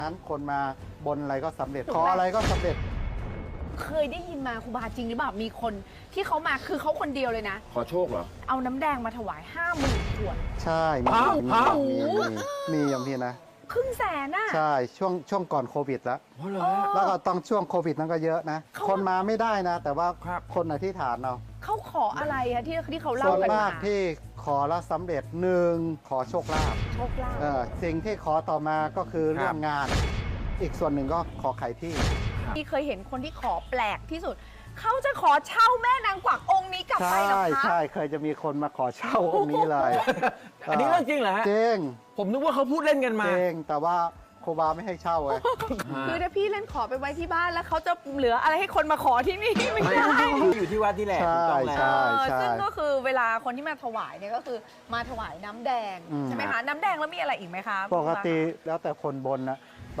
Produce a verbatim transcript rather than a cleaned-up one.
นั้นคนมาบนอะไรก็สำเร็จขออะไรก็สำเร็จเคยได้ยินมาครูบาจริงหรือเปล่ามีคนที่เขามาคือเขาคนเดียวเลยนะขอโชคเหรอเอาน้ำแดงมาถวายห้าหมื่นขวดใช่มีฮะมีฮะมีมีมีอย่างนี้นะครึ่งแสนน่ะใช่ช่วงช่วงก่อนโควิดแล้วเพราะเหรอแล้วก็ต้องช่วงโควิดนั้นก็เยอะนะเขาคนมาไม่ได้นะ แต่ว่าครับคนอธิษฐานเอาเขาขออะไรอะที่ที่เขาเล่าส่วนกันมามากที่ขอแล้วสำเร็จหนึ่งขอโชคลาภโชคลาภเออสิ่งที่ขอต่อมาก็คือเรื่องงาน อีกส่วนหนึ่งก็ขอขายที่ที่เคยเห็นคนที่ขอแปลกที่สุดเขาจะขอเช่าแม่นางกวักองค์นี้กลับไปใช่เหรอคะใช่เคยจะมีคนมาขอเช่าองค์นี้เลยอันนี้เรื่องจริงเหรอฮะจริงผมนึกว่าเขาพูดเล่นกันมาจริงแต่ว่าครูบาไม่ให้เช่าไงคือถ้าพี่เล่นขอไปไว้ที่บ้านแล้วเขาจะเหลืออะไรให้คนมาขอที่นี่ไม่ไม่ได้อยู่ที่วัดที่แหละใช่ถูกต้องแล้วใช่เออซึ่งก็คือเวลาคนที่มาถวายเนี่ยก็คือมาถวายน้ำแดงอืมใช่ไหมคะน้ำแดงแล้วมีอะไรอีกไหมคะปกติแล้วแต่คนบนนะ